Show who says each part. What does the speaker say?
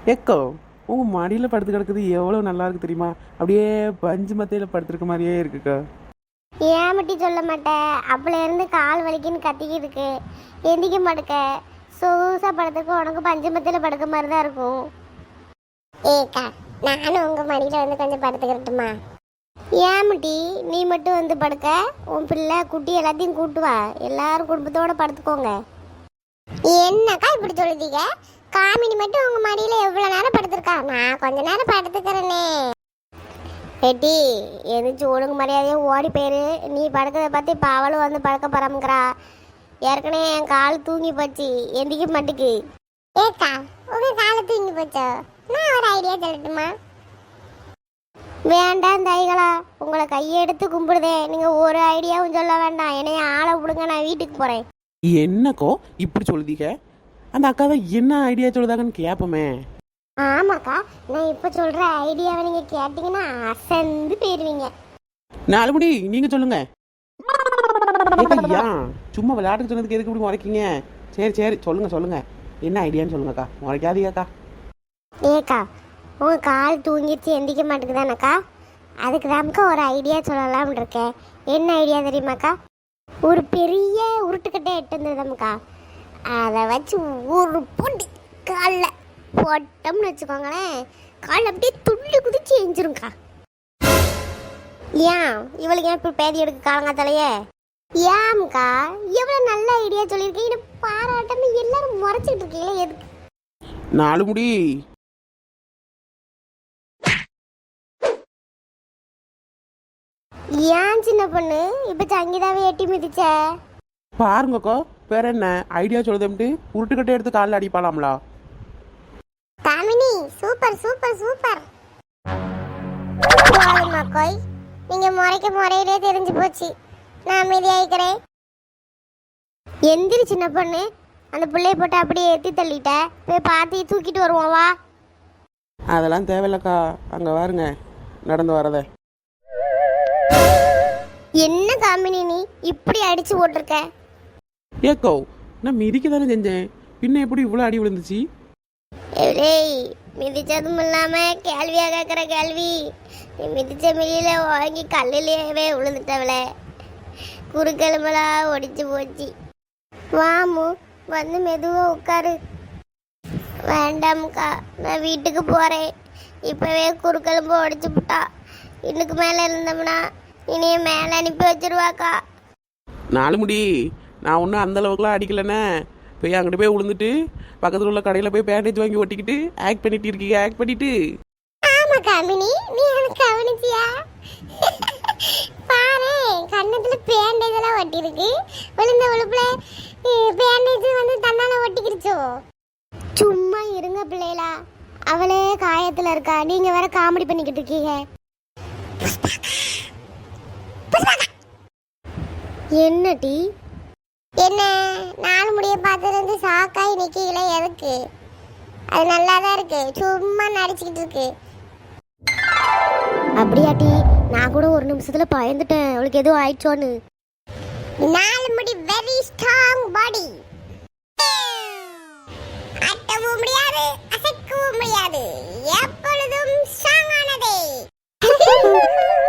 Speaker 1: ஏக்கோ உங்க மடியில் படுத்து கிடக்குது எவ்வளோ நல்லா இருக்கு தெரியுமா? அப்படியே பஞ்சு மத்தையில் படுத்துருக்க மாதிரியே இருக்குக்கா.
Speaker 2: ஏன் மட்டி சொல்ல மாட்டேன். அப்பல இருந்து கால் வலிக்குன்னு கத்திக்கிட்டு இருக்கு. எந்திக்க மாட்டுக்க. சொகுசா படத்துக்கு உனக்கு பஞ்சமத்தில் படுக்க மாதிரி தான் இருக்கும். ஏக்கா நானும் உங்க மடியில வந்து கொஞ்சம் படுத்துக்கிறட்டுமா? ஏன் மட்டி நீ மட்டும் வந்து படுக்க? உன் பிள்ளை குட்டி எல்லாத்தையும் கூட்டு வா, எல்லாரும் குடும்பத்தோட படுத்துக்கோங்க. என்னக்கா இப்படி சொல்லுதீங்க? காமினி மட்டும் உங்க மடியில எவ்வளவு நேரம் படுத்திருக்கா? நான் கொஞ்ச நேரம் படுத்துக்கிறேனே. ஏட்டி எந்திரிச்சு ஒழுங்கு மரியாதையே ஓடி போயிரு. நீ படுக்கிறத பார்த்து இப்போ அவளும் வந்து படுக்க பரம்புக்கிறா. ஏற்கனவே என் கால் தூங்கி போச்சு, எந்திக்க மாட்டுக்கு. ஏக்கா உங்க காலை தூங்கி போச்சோ? நான் ஒரு ஐடியா சொல்லட்டுமா? வேண்டாம் தைகளா, உங்களை கையெடுத்து கும்பிடுதே. நீங்க ஒரு ஐடியாவும் சொல்ல வேண்டாம். என்னைய ஆளை விடுங்க, நான் வீட்டுக்கு போறேன்.
Speaker 1: என்னக்கோ இப்படி சொல்லுதீங்க? அந்த அக்கா தான் என்ன ஐடியா சொல்லுதாங்கன்னு கேட்போமே.
Speaker 2: ஆமாக்கா, நான் இப்போ சொல்ற ஐடியாவை நீங்க கேட்டீங்கன்னா அசந்து போயிருவீங்க.
Speaker 1: நாலு முடி நீங்க சொல்லுங்க. ஏன் சும்மா விளையாட்டுக்கு சொன்னதுக்கு எதுக்கு இப்படி முறைக்கீங்க? சரி சரி சொல்லுங்க சொல்லுங்க, என்ன ஐடியான்னு சொல்லுங்கக்கா, முறைக்காதீங்கக்கா.
Speaker 2: ஏக்கா உங்க கால் தூங்கிடுச்சு, எந்திக்க மாட்டேங்குதானக்கா? அதுக்கு தான்க்கா ஒரு ஐடியா சொல்லலாம்னு இருக்கேன். என்ன ஐடியா தெரியுமாக்கா? ஒரு பெரிய உருட்டுக்கட்டை எட்டு வந்ததுக்கா, அதை வச்சு ஒரு பொண்டி காலில் போட்டோம்னு வச்சுக்கோங்களேன், கால் அப்படியே துள்ளி குதிச்சு எஞ்சிரும்க்கா. ஏன் இவளுக்கு ஏன் இப்போ பேதி எடுக்க காலங்காத்தாலேயே? ஏம்க்கா எவ்வளோ நல்ல ஐடியா சொல்லியிருக்கீங்க, பாராட்டாம எல்லாரும் முறைச்சிட்டு இருக்கீங்களே எதுக்கு?
Speaker 1: நாலு முடி
Speaker 2: ஏன் சின்ன பொண்ணு இப்ப சங்கீதாவை எட்டி மிதிச்ச?
Speaker 1: பாருங்கக்கோ, வேற என்ன ஐடியா சொல்லுதேன்ட்டு உருட்டுக்கட்டை எடுத்து காலில் அடிப்பாளாம்லா.
Speaker 2: Kamini super super super. மக்கோய் நீங்க முறையிலே தெரிஞ்சு போச்சு. நான் அமைதியாயிக்கிறேன். எந்திரி சின்ன பொண்ணு, அந்த பிள்ளைய போட்டு அப்படியே ஏற்றி தள்ளிட்ட. போய் பார்த்து தூக்கிட்டு வருவோம் வா.
Speaker 1: அதெல்லாம் தேவையில்லக்கா, அங்கே பாருங்க நடந்து வரத.
Speaker 2: என்ன காமினி நீ இப்படி அடிச்சு போட்டிருக்க?
Speaker 1: ஏக்கோ நான் மிதிக்க தானே செஞ்சேன், பின்ன எப்படி இவ்வளோ அடி விழுந்துச்சு?
Speaker 2: ஏய் மிதிச்சதும் இல்லாம கேள்வியா கேட்குற கேள்வி. நீ மிதிச்ச மிதியில வாங்கி கல்லிலேயே விழுந்துட்டவள, குறுக்கெலும்பெல்லாம் ஒடிச்சு போச்சு. வாமு வந்து மெதுவா உட்காரு. வேண்டாம்க்கா, நான் வீட்டுக்கு போறேன். இப்பவே குறுக்கெலும்பு ஒடிச்சு விட்டா, இன்னுக்கு மேல இருந்தோம்னா இனிய மேல அனுப்பி வச்சிருவாக்கா.
Speaker 1: நாலு முடி நான் ஒன்றும் அந்த அளவுக்குலாம் அடிக்கலண்ணே. போய் அங்கிட்டு போய் விழுந்துட்டு பக்கத்தில் உள்ள கடையில் போய் பேண்டேஜ் வாங்கி ஒட்டிக்கிட்டு ஆக்ட் பண்ணிட்டு இருக்கீங்க. ஆக்ட் பண்ணிட்டு
Speaker 2: ஆமா காமினி, நீ எனக்கு கவனிச்சியா? பாரு கண்ணத்துல பேண்டேஜ் எல்லாம் ஒட்டி இருக்கு. விழுந்த விழுப்புல பேண்டேஜ் வந்து தன்னால ஒட்டிக்கிடுச்சோ. சும்மா இருங்க பிள்ளைகளா, அவளே காயத்துல இருக்கா, நீங்க வேற காமெடி பண்ணிக்கிட்டு இருக்கீங்க. என்ன டி? என்ன நாலு முடிய பார்த்ததுலேருந்து சாக்காய் நிற்கல எதுக்கு? அது நல்லா தான் இருக்கு, சும்மா நடிச்சுக்கிட்டு இருக்கு. அப்படியாட்டி நான் கூட ஒரு நிமிஷத்துல பயந்துட்டேன் அவளுக்கு எதுவும் ஆயிடுச்சோன்னு. நாலு முடி வெரி ஸ்ட்ராங் பாடி, அட்டவும் முடியாது அசைக்கவும் முடியாது, எப்பொழுதும் ஸ்ட்ராங் ஆனதே.